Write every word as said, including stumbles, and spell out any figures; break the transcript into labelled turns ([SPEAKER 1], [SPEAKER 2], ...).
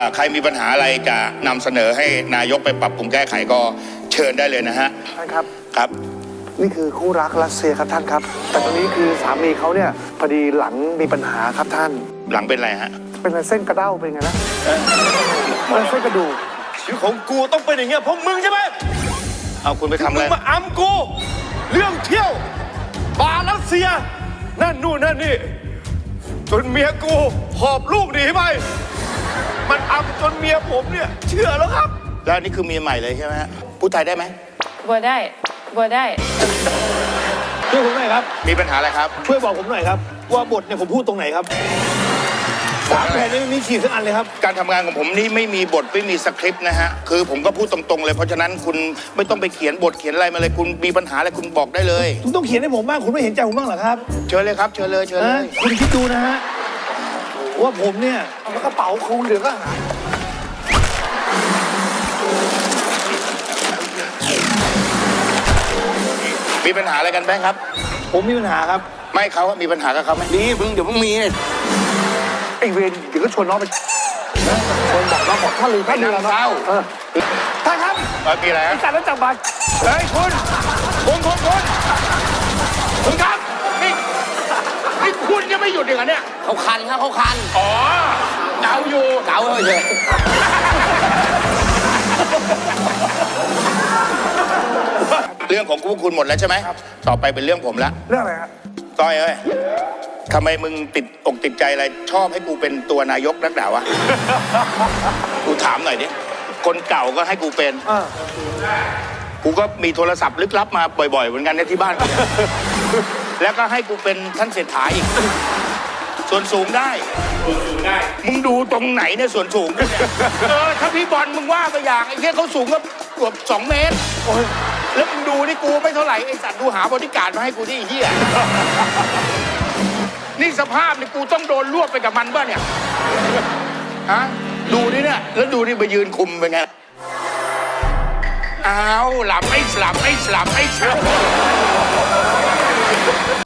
[SPEAKER 1] ใครมีปัญหาอะไรจะนำเสนอให้นายกไปปรับปรุงแก้ไขก็เชิญได้เลยนะฮะ
[SPEAKER 2] ท่านครับ
[SPEAKER 1] ครับ
[SPEAKER 2] นี่คือคู่รักรัสเซียครับท่านครับแต่ตอนนี้คือสามีเขาเนี่ยพอดีหลังมีปัญหาครับท่าน
[SPEAKER 1] หลังเป็นไรฮะ
[SPEAKER 2] เป็นเส้นกระเด้าเป็นไงนะเป็นเส้นกระดูก
[SPEAKER 3] ชีวิตของกูต้องเป็นอย่างเงี้ยเพราะมึงใช่ไหม
[SPEAKER 1] เอาคุณไปทำอะไร
[SPEAKER 3] มึงมาอ้ำกูเรื่องเที่ยวบารัสเซียนั่นนู่นนั่นนี่จนเมียกูหอบลูกหนีไปมันอ้ำจนเมียผมเนี่ยเชื่อแล้วครับ
[SPEAKER 1] แล้วนี่คือเมียใหม่เลยใช่ไหมฮะพูดไทยได้ไหม
[SPEAKER 4] บัวได้บัวได้
[SPEAKER 3] ช่วยผมหน่อยครับ
[SPEAKER 1] มีปัญหาอะไรครับ
[SPEAKER 3] ช่วยบอกผมหน่อยครับว่าบทเนี่ยผมพูดตรงไหนครับสามแผ่นนี้ไม่มีขีดสักอันเลยครับ
[SPEAKER 1] การทำงานของผมนี่ไม่มีบทไม่มีสคริปต์นะฮะคือผมก็พูดตรงๆเลยเพราะฉะนั้นคุณไม่ต้องไปเขียนบทเขียนอะไรมาเลยคุณมีปัญหาอะไรคุณบอกได้เลย
[SPEAKER 3] คุณต้องเขียนให้ผมบ้างคุณไม่เห็นใจผมบ้างเหรอครับ
[SPEAKER 1] เชิญเลยครับเชิญเลยเชิญเลย
[SPEAKER 3] คุณคิดดูนะฮะว่าผมเนี่ย
[SPEAKER 2] แล้วกระเป๋าคุณเหลือก็หา
[SPEAKER 1] มีปัญหาอะไรกันแบงค์ครับ
[SPEAKER 3] ผมมีปัญหาครับ
[SPEAKER 1] ไม่เขามีปัญหากับเขาไหม
[SPEAKER 5] มีมึงเดี๋ยวมึงมีเนี่ย
[SPEAKER 2] ไอเวรเดี๋ยวก็ชวนน้องไปชวนบอกน้องบอกถ้าลืมถ้าลืมเศร้าท่านครับ
[SPEAKER 1] มีอะไร
[SPEAKER 2] จัดแล้วจับบัตร
[SPEAKER 1] เฮ้ยคุณคุณคุณคุณคุณครับนี่นี่คุณยังไม่หยุดอีกเหรอเนี่ย
[SPEAKER 5] เขาคันครับเขาคัน
[SPEAKER 1] อ๋อเกาอยู่
[SPEAKER 5] เกาเลย
[SPEAKER 1] เรื่องของพวกคุณหมดแล้วใช่ไหมต่อไปเป็นเรื่องผมละ
[SPEAKER 2] เรื่องอะไรครับ
[SPEAKER 1] ก้อยเอ้ยทำไมมึงติดอกติดใจอะไรชอบให้กูเป็นตัวนายกนักด่าวะกูถามหน่อยดิคนเก่าก็ให้กูเป็นกูก็มีโทรศัพท์ลึกลับมาบ่อยๆเหมือนกันในที่บ้านแล้วก็ให้กูเป็นท่านเศรษฐาอีกส่วนสูงได้ส่วนสูงได้มึงดูตรงไหนเนี่ยส่วนสูงเนี่ยเออถ้าพี่บอลมึงว่าไปอย่างไอ้เหี้ยเขาสูงก็เกือบสองเมตรแล้วมึงดูนี่กูไม่เท่าไหร่ไอ้สัตว์ดูหาบริการมาให้กูที่ไอ้เหี้ยนี่สภาพนี่กูต้องโดนรวบไปกับมันบ้าเนี่ยฮะดูนี่เนี่ยแล้วดูนี่ไปยืนคุมเป็นไงอ้าวหลับไอ้สลับไอ้สลับไอ้สลับ